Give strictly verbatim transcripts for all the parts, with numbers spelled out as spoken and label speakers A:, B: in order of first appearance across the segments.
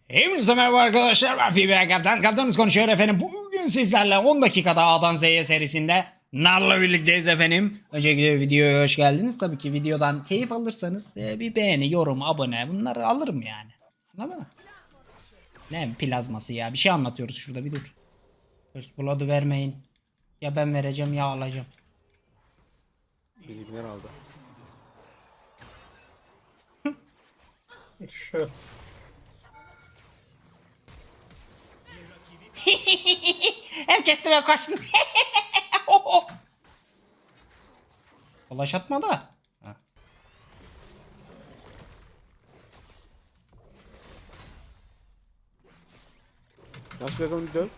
A: Hepinize merhaba arkadaşlar, ben P B A Kaptan. Kaptanınız konuşuyor efendim. Bugün sizlerle on dakikada A'dan Z'ye serisinde Nar'la birlikteyiz efendim. Öncelikle videoya hoş geldiniz. Tabii ki videodan keyif alırsanız e, bir beğeni, yorum, abone bunları alırım yani. Anladın mı? Ne plazması ya, bir şey anlatıyoruz şurada, bir dur. First Blood'u vermeyin. Ya ben vereceğim ya alacağım.
B: Bizimkiler aldı.
C: Şu.
A: Hem kestim hem kaçtım. Flash atma da. Ha.
B: Nasıl biraz onu döv?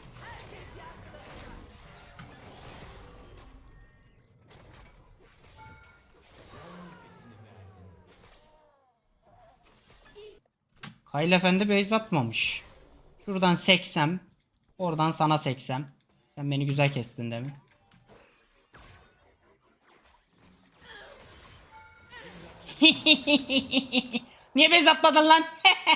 A: Hayal Efendi base atmamış. Şuradan seksem. Oradan sana seksem. Sen beni güzel kestin değil mi? Niye base atmadın lan?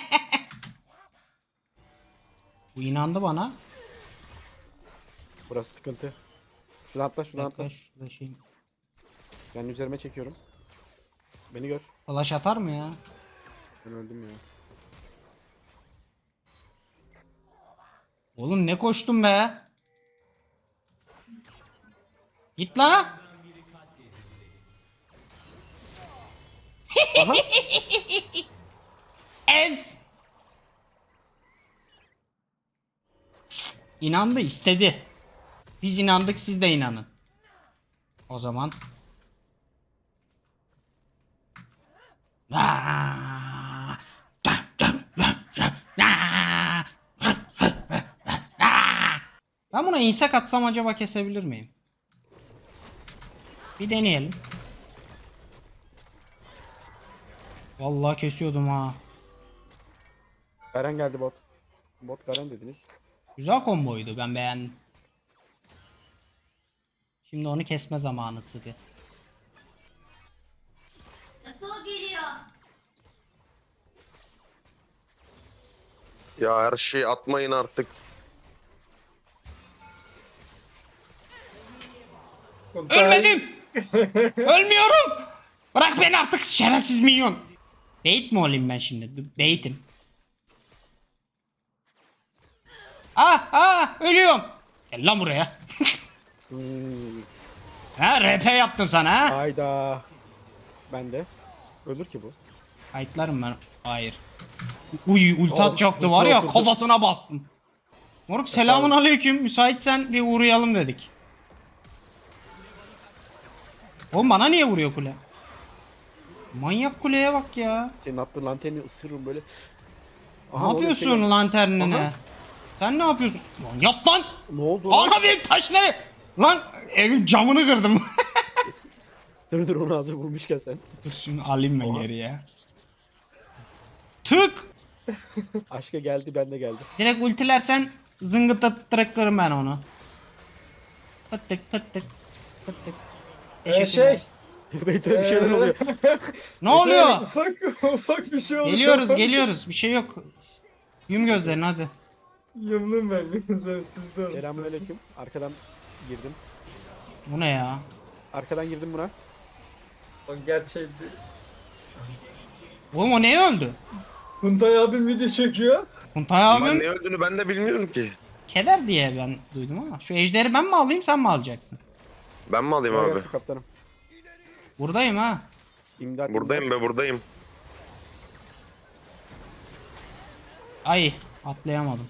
A: Bu inandı bana.
B: Burası sıkıntı. Şuradan atla, şuradan atla.
A: Yaklaş, şurada şey-
B: Ben üzerime çekiyorum. Beni gör.
A: Flash atar mı ya?
B: Ben öldüm ya.
A: Oğlum ne koştum be? Git la.
B: Aha.
A: Ez. İnandı, istedi. Biz inandık, siz de inanın. O zaman. Ben buna insek atsam acaba kesebilir miyim? Bir deneyelim. Vallahi kesiyordum ha.
B: Garen geldi bot. Bot Garen dediniz.
A: Güzel komboydu, ben beğendim. Şimdi onu kesme zamanı sıkı.
D: Nasıl geliyor?
E: Ya her şeyi atmayın artık.
A: Ölmedim. Ölmüyorum. Bırak beni artık şerefsiz minyon. Bait mi olayım ben şimdi? Dur, Bait'im. Ah ah ölüyorum. Gel lan buraya.
B: Hmm.
A: Ha R P yaptım sana ha.
B: Hayda. Ben de. Ölür ki bu.
A: Kayıtlarım ben. Hayır. Uy ulti
B: Oğlum,
A: atacaktı var ya,
B: ulti
A: kafasına bastım. Moruk selamun aleyküm. Müsaitsen bir uğrayalım dedik. Oğlum bana niye vuruyor kule? Manyak kuleye bak ya.
B: Senin attığın lanterni ısırırım böyle.
A: Ne
B: Aha, oluyor?
A: yapıyorsun
B: Şey-
A: lanternine?
B: Aha.
A: Sen ne yapıyorsun? Lan yap lan!
B: Ne oldu lan?
A: Ana benim taşları! Lan evin camını kırdım.
B: Dur dur, onu hazır vurmuşken sen.
A: Dur şunu alayım ben geriye. Tık!
B: Aşka geldi, ben de geldi.
A: Direkt ultilersen zıngıtattırırım ben onu. Pıttık pıttık pıttık.
C: Ee,
A: Teşekkürler.
C: şey.
B: Beyte bir şeyler oluyor.
A: Ne oluyor?
C: Ufak ufak bir şey oldu.
A: Geliyoruz geliyoruz, bir şey yok. Yum gözlerini hadi.
C: Yumdum ben gözlerim sizde olsun.
B: Selamünaleyküm. Arkadan girdim.
A: Bu ne ya?
B: Arkadan girdim buna.
C: O gerçekti.
A: Oğlum o neye öldü?
C: Kuntay abim video çekiyor.
A: Kuntay
E: Ben
A: abim
E: ne öldüğünü ben de bilmiyorum ki.
A: keder diye ben duydum ama. Şu ejderi ben mi alayım, sen mi alacaksın?
E: Ben mi alayım
B: Kolay
E: abi?
B: gelsin kaptanım.
A: Buradayım ha.
B: İmdat.
E: Buradayım
B: imdat.
E: be buradayım.
A: Ay atlayamadım.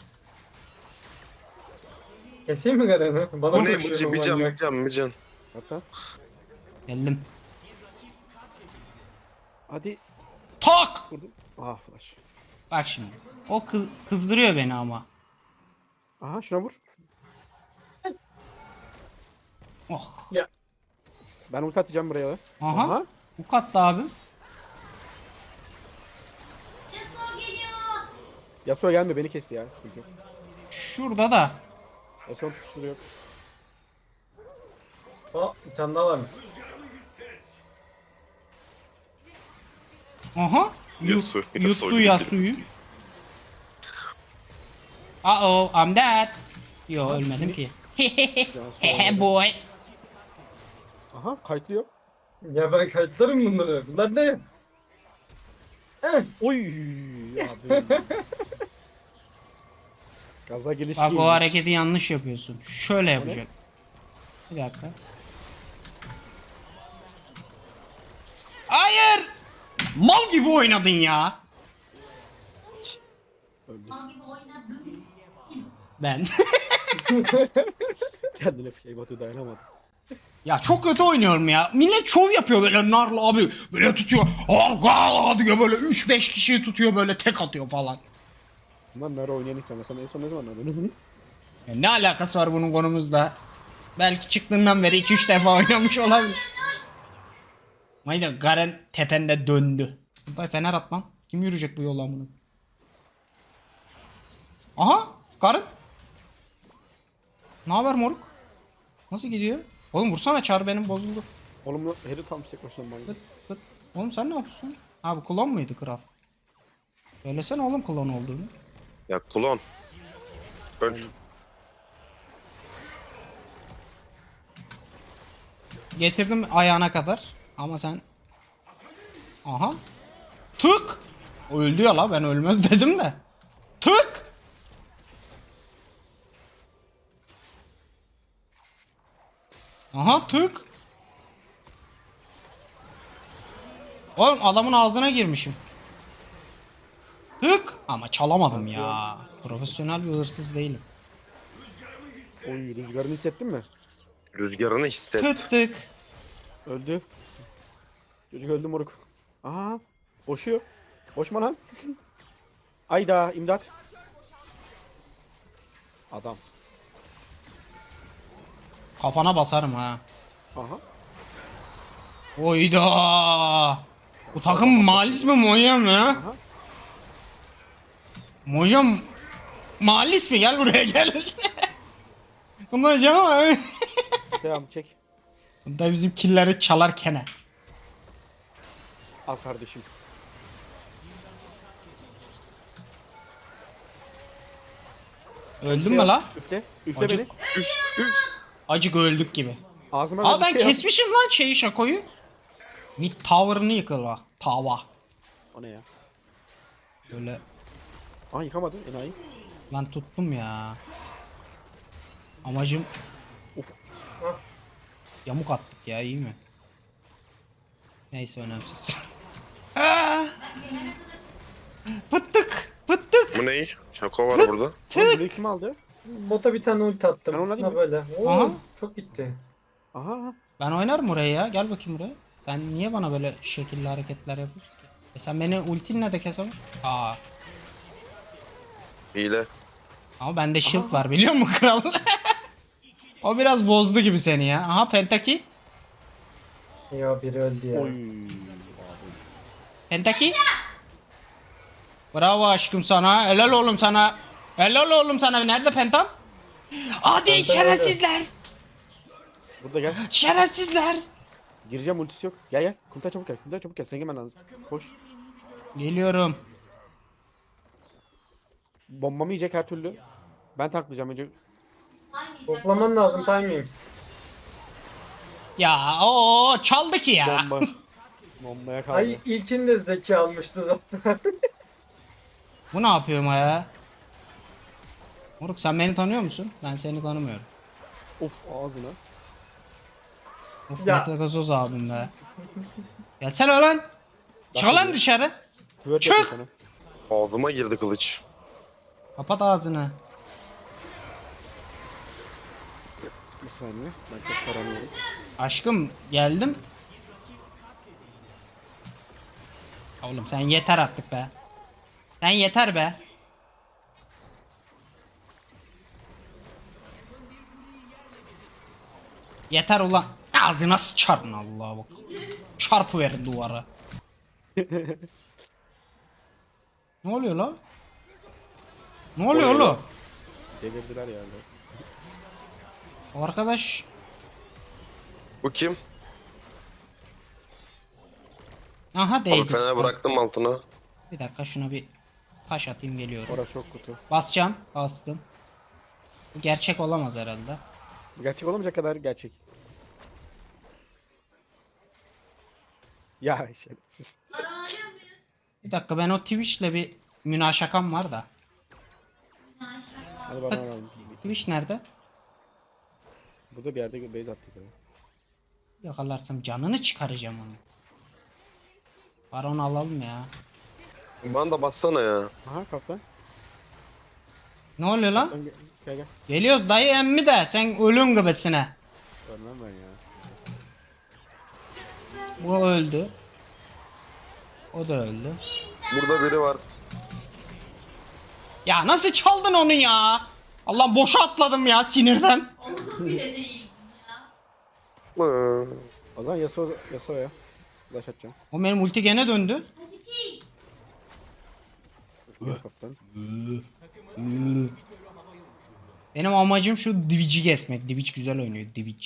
C: Keseyim mi Garen'i? Bana
E: Bu ne
C: koşuyor
E: bıcı
C: bu
E: bir can
C: manyak.
E: bir can bir can.
B: Hatta.
A: Geldim.
B: Hadi.
A: Tak!
B: Vurdum. Ah flash.
A: Bak şimdi. O kız kızdırıyor beni ama.
B: Aha şuna vur.
A: Oh.
C: Ya
B: Ben ulti atacağım buraya.
A: Aha.
B: Aha.
A: Bu kattı abim.
D: Nasıl geliyor?
B: Yasuo gelme, beni kesti ya. Sıkıntı yok.
A: Şurada da.
B: Yasuo tutuşturuyor.
C: o bir tane daha var mı?
A: Aha.
E: Yasu,
A: Yuttu ya suyu. Uh oh, I'm dead. Yo ölmedim ki. Hehe boy.
B: Aha kayıtlıyor.
C: Ya ben kayıtlarım bunları. Bunlar ne? Eh,
B: Oy abi. Gaza geliş
A: Bak
B: değil.
A: o hareketi yanlış yapıyorsun. Şöyle yapacak. Bir dakika. Hayır! Mal gibi oynadın ya.
D: Mal gibi oynadın.
A: Ben.
B: Kendine şey batı dayanamadı.
A: Ya çok kötü oynuyorum ya. Millet şov yapıyor böyle narlı abi. Böyle tutuyor. Arka diyor böyle üç beş kişiyi tutuyor böyle tek atıyor falan.
B: Lan nerede oynayan ilk sen? Sen en son ne zaman oynadın?
A: Ya ne alakası var bunun konumuzda? Belki çıktığından beri iki üç defa oynamış olabilir. Mayda Garen tepende döndü. Kuntay fener at lan. Kim yürüyecek bu yoldan bunu? Aha Garen. Ne haber moruk? Nasıl gidiyor? Oğlum vursana çar benim bozuldu.
B: Oğlum lan Harry tam tek başına manyak.
A: Fıt fıt. Oğlum sen ne yapıyorsun? Ha bu klon muydu kral? Söylesene oğlum klon olduğunu.
E: Ya klon. Öl.
A: Getirdim ayağına kadar. Ama sen... Aha. Tık. Öldü ya la ben ölmez dedim de. Tık. Aha tık. Oğlum adamın ağzına girmişim. Tık. Ama çalamadım ya. Profesyonel bir hırsız değilim.
B: Oy rüzgarını hissettin mi?
E: Rüzgarını hisset.
A: Tık tık.
B: Öldü. Çocuk öldü moruk. Aha. Boşuyor. Boşma lan. Ayda imdat. Adam.
A: Kafana basarım ha.
B: Aha.
A: Oyda. Bu takım malis mi Moya mı?
B: Aha.
A: Mojam malis mi? Gel buraya gel. Bunlar canım.
B: Devam çek.
A: Bunda bizim killeri çalarken.
B: Al kardeşim.
A: Öldün mü la?
B: Üfle. Üfle
A: Acı-
B: beni.
A: Acık öldük gibi.
B: Ağzıma
A: Aa
B: ver bir
A: ben
B: şey yap.
A: kesmişim lan şeyi şakoyu. Mid tower'ını yıkıla. Tava.
B: O ne ya?
A: Böyle
B: Aa yıkamadın enayi.
A: lan tuttum ya. Amacım
B: Of.
A: yamuk attık ya iyi mi? Neyse önemsiz. Aa! Pıttık pıttık.
E: Bu ne? Şako var burada.
B: Oğlum burayı kim aldı?
C: Bota bir tane ulti attım.
B: Ben ona değil
C: Ha
B: mi?
C: böyle. Oo,
A: Aha.
C: çok gitti.
B: Aha.
A: Ben oynarım oraya ya. Gel bakayım buraya. Sen niye bana böyle şekilli hareketler yapıyorsun ki? E sen beni ultinle de kesemezsin. Aa.
E: Hile.
A: Ama bende shield var biliyor musun kral? O biraz bozdu gibi seni ya. Aha Pentaki.
C: Ya biri öldü ya.
B: Oy.
A: Pentaki. Bravo aşkım sana. Helal oğlum sana. Helal oğlum sana. Nerede Pentam? Hadi
C: Penta
A: şerefsizler.
B: Burada gel.
A: Şerefsizler.
B: Gireceğim ultisi yok. Gel gel. Kuntay çabuk gel. Kuntay çabuk gel. Sen gelmen lazım. Koş.
A: Geliyorum.
B: Bombamı yiyecek her türlü. Ben tanklayacağım önce.
C: Toplaman lazım timing.
A: Ya o çaldı ki ya.
B: Bomba. Bombaya kaldı.
C: Ay ilkinde zeki almıştı zaten.
A: Bu ne yapıyor ya? Moruk sen beni tanıyor musun? Ben seni tanımıyorum.
B: Of ağzına.
A: Of
C: Ya.
A: Metagazoz abim be. Gelsene lan. Çık lan dışarı.
B: Twerk
A: Çık!
B: yapıyor sana.
E: Ağzıma girdi kılıç.
A: Kapat ağzını.
B: Bir saniye. Ben çok taranıyorum.
A: Aşkım geldim. Oğlum sen yeter artık be. Sen yeter be. Yeter ulan. Ağzına sıçarın Allah'a bak. Çarpı verin duvara. Ne oluyor lan? Ne oluyor
E: Oluyor lan.
A: oğlum?
B: Delirdiler ya biraz.
A: O arkadaş
E: Bu kim?
A: aha
E: Abi
A: değdi.
E: fena bıraktım altına.
A: Bir dakika şuna bir taş atayım geliyorum.
B: Orası çok kutu.
A: Basacağım. Bastım. Bu gerçek olamaz herhalde.
B: Gerçek olamayacak kadar gerçek. Ya şerefsiz.
D: Baron alıyor muyuz?
A: Bir dakika ben o Twitch'le bir münaşakam var da.
D: Maşallah.
B: Hadi bana alalım.
A: Twitch nerede?
B: Burada bir yerde base attık. ya.
A: Yakalarsam canını çıkaracağım onu. Baron alalım ya.
E: Bana da bassana ya.
B: Aha kaplan.
A: Ne oluyor lan?
B: Lan Gel gel. gel.
A: Geliyoruz dayı emmi de sen ölüm gibisine.
B: Görmem ben ya.
A: Bu öldü. O da öldü.
E: Burada biri var.
A: Ya nasıl çaldın onu ya? Allah boşa atladım ya sinirden.
D: Olur bile değil ya.
E: Hı.
B: O zaman Yasuo, Yasuo ya. Flash atacağım.
A: O benim ulti gene döndü.
D: Haziki.
B: Gel kaplan.
A: Benim amacım şu Divic'i kesmek. Divic güzel oynuyor Divic.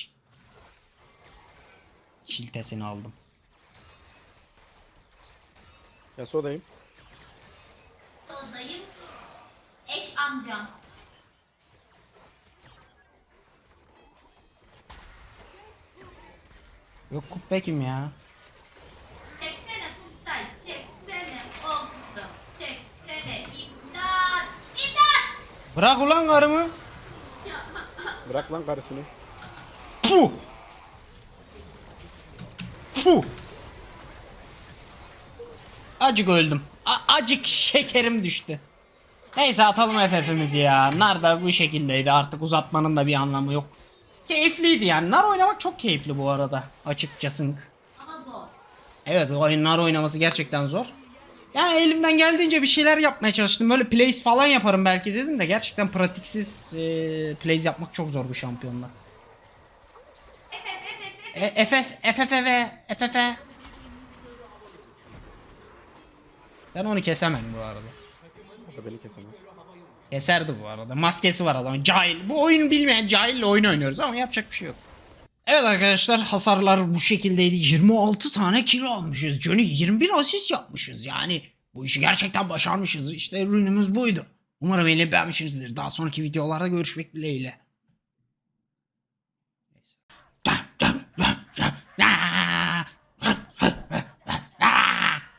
A: Şiltesini aldım.
B: Yasuo'dayım.
D: Soldayım. Eş amcam.
A: Yok kubbe kim ya?
D: Çeksene Kutay. Çeksene oğlum. Çeksene. İmdat. İmdat.
A: Bırak ulan karımı.
B: Bırak lan karısını.
A: Puh. Puh. Acık öldüm. A- acık şekerim düştü. Neyse atalım F F'imizi ya. Nar da bu şekildeydi. Artık uzatmanın da bir anlamı yok. Keyifliydi yani. Nar oynamak çok keyifli bu arada. Açıkçası.
D: Ama zor.
A: Evet oyunlar oynaması gerçekten zor. Yani elimden geldiğince bir şeyler yapmaya çalıştım. Böyle plays falan yaparım belki dedim de gerçekten pratiksiz e, plays yapmak çok zor bu şampiyonla. E, F F F F F F F. Ben onu kesemem bu arada.
B: O da beni kesemez.
A: Keserdi bu arada. Maskesi var adamın. Cahil. Bu oyun bilmeyen cahille oyun oynuyoruz ama yapacak bir şey yok. Evet arkadaşlar hasarlar bu şekildeydi. yirmi altı tane kilo almışız. Johnny yirmi bir asist yapmışız. Yani bu işi gerçekten başarmışız. İşte ürünümüz buydu. Umarım eğlenip beğenmişsinizdir. Daha sonraki videolarda görüşmek dileğiyle. Neyse.